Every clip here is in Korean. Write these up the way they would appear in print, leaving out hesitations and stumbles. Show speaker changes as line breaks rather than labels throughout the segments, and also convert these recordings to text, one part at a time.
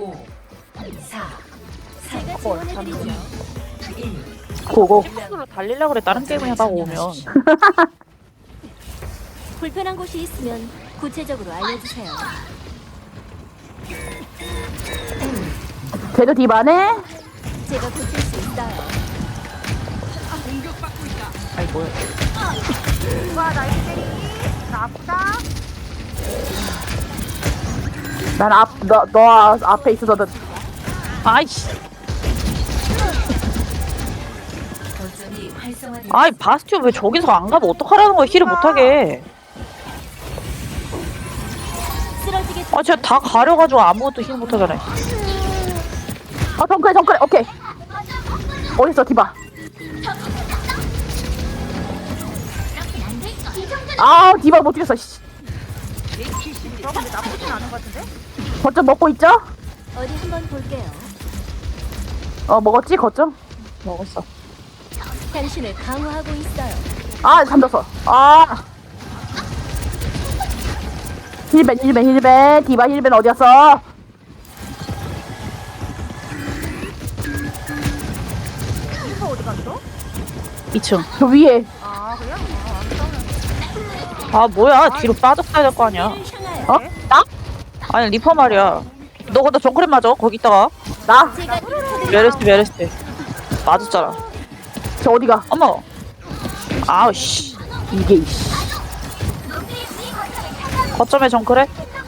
5, 4,
제가 지원해드리죠.
고고.
식으로 달리려고 그래. 다른 게임 해봐 오면.
불편한 곳이 있으면 구체적으로 알려주세요.
쟤도 디바네?
제가 고칠 수 있어요.
아이 뭐야.
누가 나 때리? 나 아프다?
너 앞에 있어서
아이씨.
거점이 활성화되었습니다.
아이 바스티오 왜 저기서 안 가면 어떡하라는 거야. 힐을 못하게.
쓰러지게
아 진짜 다 가려가지고 아무것도 힐 못하잖아.
정크래 오케이. 어딨어 디바. 아 디바 못 죽였어. 씨.
너 근데 나쁘진 않은 것 같은데?
거점 먹고 있죠?
어디 한번 볼게요.
먹었지 거점?
먹었어.
당신을 강화하고 있어요.
아 잠들었어. 힐벤 디바 힐벤 어디였어?
리퍼 어디 갔어?
2층.
저 위에.
아 그래요? 안 싸우면
아 뭐야. 뒤로 빠졌어야 될 거 아니야.
향하여
어? 나?
아니 리퍼 말이야. 너 근데 정크랩 맞아. 거기 있다가.
나?
제가 지켜드리죠.
메르스. 맞았잖아.
저 어디가?
어머. 아우씨.
이게 이씨.
거점에 정크랩?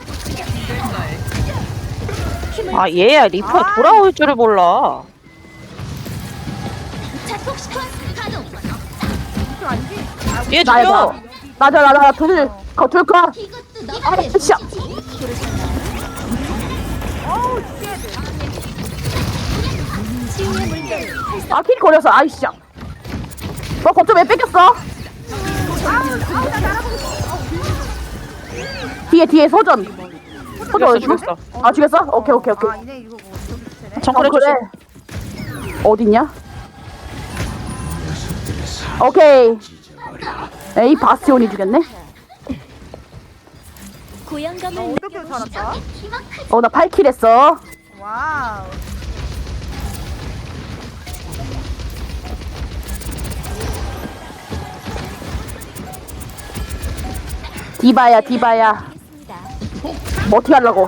아 얘야 리퍼 돌아올 줄을 몰라.
이거 아니지?
얘
나야
죽여.
나 둘까? 씨.
어우 죽여야 돼.
치유의 물결.
킬 걸렸어. 아이씨. 너 거점 왜 뺏겼어? 뒤에 소전 어디
죽였어.
아 죽였어? 오케이
아 이네 이거 뭐 저기 되네?
정크랩
그래.
조심.
어딨냐? 오케이. 에이 바스티온이 죽였네.
고향감을
어떻게 살았다?
나 8킬 했어.
와우.
디바야.
느끼겠습니다.
뭐 어떻게 하려고?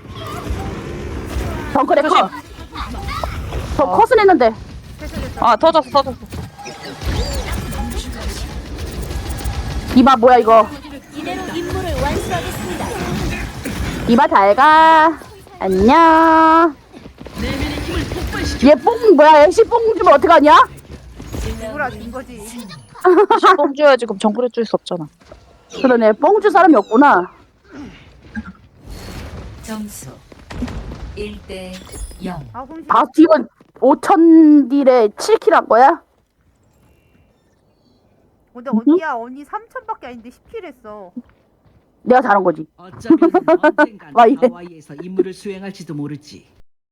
정크레
조심.
컷. 저 컷은 했는데.
아 터졌어.
디바 뭐야 이거?
이대로 임무를 완수하겠습니다.
디바 잘가. 안녕. 얘뽕 뭐야? 애쉬 뽕 주면 어떡하냐?
누구라 준 거지?
뽕 줘야지. 그럼 정크랩 줄 수 없잖아.
그러네. 뽕 줄 사람이 없구나.
점수 1대 0.
아 그럼
바스티온 5000딜에 7킬 한 거야?
근데 언니 3천밖에 아닌데 10킬 했어.
내가 잘한 거지.
어쩌면 언젠간
와, 이래.
하와이에서 임무를 수행할지도 모르지.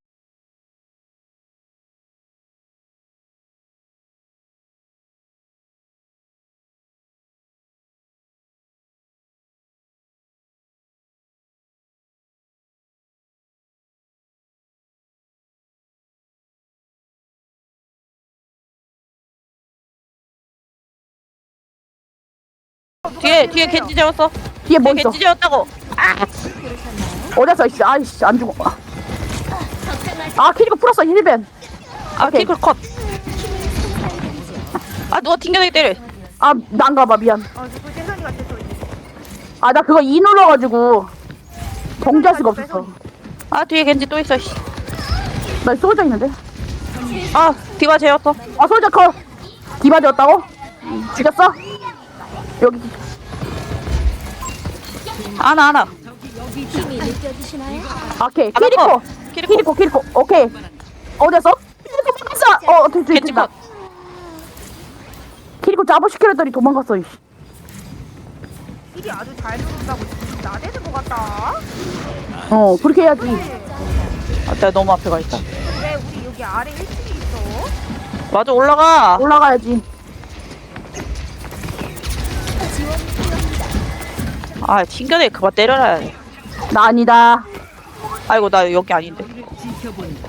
뒤에 겐지 재웠어.
뒤에 뭐 있어?
겐지 재웠다고.
어디서 이씨. 아이씨 안 죽어. 키리코 풀었어 힐벤.
아
오케이.
킥을 컷. 아 누가 튕겨내기 때려.
난가봐 미안.
그 재선이가 됐어 이제.
나 그거 E 눌러가지고 정지할 수가 없었어.
아 뒤에 겐지 또 있어. 씨.
나 쏘져 있는데.
아 디바 재웠어.
솔저 컷. 디바 되었다고? 죽였어? 여기.
하나.
힘이 느껴지시나요?
오케이.
알았어.
키리코. 오케이. 어디였어? 키리코 도망갔어.
겐지
됐다.
컷.
키리코 잡아시키려더니 도망갔어. 이씨.
힐이 아주 잘 누른다고 지금 나대는 것 같다.
그렇게 해야지.
아 내가 너무 앞에 가 있다.
왜 우리 여기 아래 1층에 있어?
맞아 올라가.
올라가야지.
지원 필요합니다.
아 튕겨내 그만 때려라.
나 아니다.
아이고 나 여기 아닌데.
지켜본다.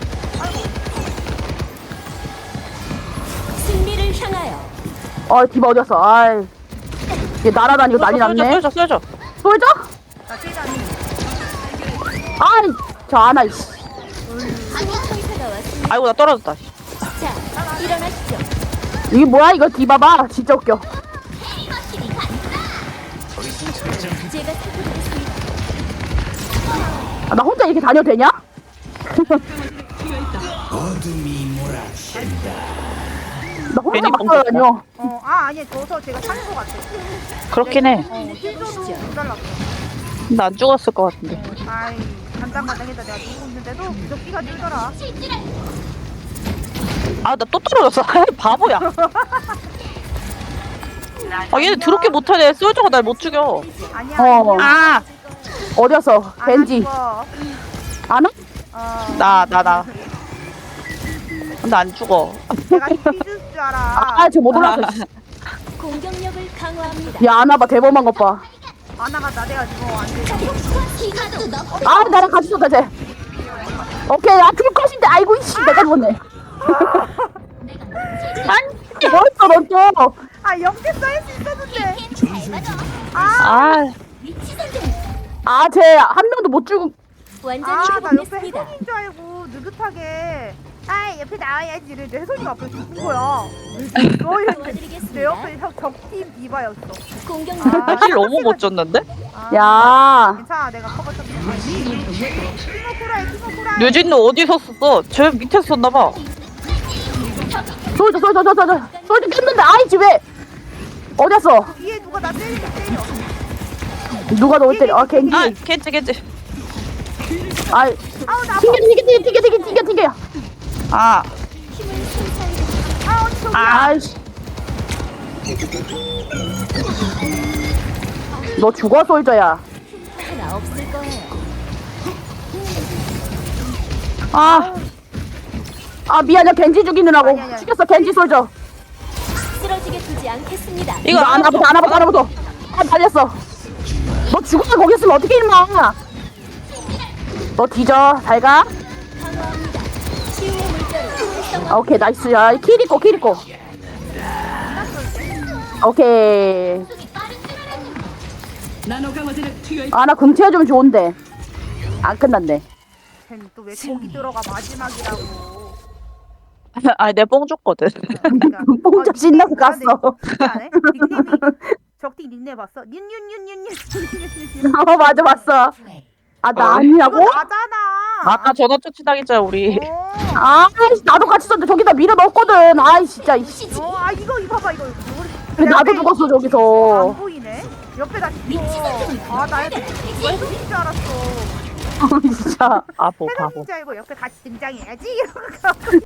승리를 향하여.
디바 어디갔어? 아이. 얘 날아다니고 난리 났네.
쏘여줘.
솔져?
나 최대한
아이, 저 아나, 이씨.
의사가 왔습니다.
아이고 나 떨어졌다.
자, 일어나시죠.
이게 뭐야, 이거 디바봐. 진짜 웃겨.
제가 살펴보겠습니다.
나 혼자 이렇게 다녀도 되냐? 나 혼자
괜히
막
뻥쳤다.
다녀.
아니야 져서 제가 사는 거 같아.
그렇긴 해.
힐줘도 못 달랐어.
나 안 죽었을 것 같은데.
아이 간당간당해다 내가 누고 있는데도 무적기가 늘더라.
아 나 또 떨어졌어. 아이 바보야. 아 얘네 더럽게 못하네. 쏠저가 날 못 죽여.
아니야.
어.
아
어디였어? 벤지. 아나?
나. 근데 안 죽어.
내가 힐줄 줄 알아.
아, 저 못 올라갔어. 씨.
공격력을 강화합니다.
야, 아나 봐. 대범한 것 봐.
아나가 나대가지고 안 돼.
아, 나랑 같이 쏜다, 쟤. 오케이, 죽을 것인데. 아이고, 이씨. 내가 죽었네. 아니, 뭐였어, 넌 또.
아 영대 쌓일 수 있었는데.
아
쟤 한 명도 못 죽고.
완전히
나 옆에
회복했습니다.
혜선인 줄 알고 느긋하게 옆에 나와야지 이랬는데 혜선이가 앞에 죽은 거야.
도와드리겠습니다.
내 옆에 적팀 디바였어.
공격력
힐 너무 못 줬는데?
야.
괜찮아 내가 커버 좀 티모쿠라에 티모쿠라.
류진도 어디서 썼어? 저 밑에서 썼나봐.
솔져 깼는데. 아이지, 왜. 어디였어?
뒤에 누가 나 때리게 때려.
누가 너 때려? 아, 겐지.
아 겐지.
아이.
아우 나 아파.
튕겨.
아
힘을 손상해.
언니 저기.
아이씨. 너 죽어, 솔져야.
하나 없을 거예요.
미안해. 겐지 죽이느라고.
아니야.
죽였어, 겐지 솔져.
쓰러지게 두지 않겠습니다.
이거
아나부터. 달렸어. 너 죽어서 거기 있으면 어떻게 임마. 너 뒤져. 잘 가.
강화합니다. 치유의 물자로 활성화.
오케이, 나이스. 야, 키리코. 오케이.
나노 강화제를 투여해.
나 궁채워주면 좋은데. 안 끝났네.
쟤또왜 거기 들어가 마지막이라고.
내 뽕 줬거든.
그러니까.
뽕자 신나서 갔어.
닉네임이 적팀 닉네임 봤어? 뉴뉴뉴뉴뉴.
맞아, 봤어. 나 아니라고?
나잖아.
아까 전화 쫓치당했잖아 우리.
나도 같이 썼는데 저기다 밀어 넣었거든. 아이, 진짜. 이씨.
이거 봐봐 이거.
근데 나도 죽었어, 저기서.
안 보이네. 옆에 다 죽어. 나 혜선인 줄 알았어.
진짜.
바보.
혜선인 줄 알고 옆에 같이 등장해야지. 이러고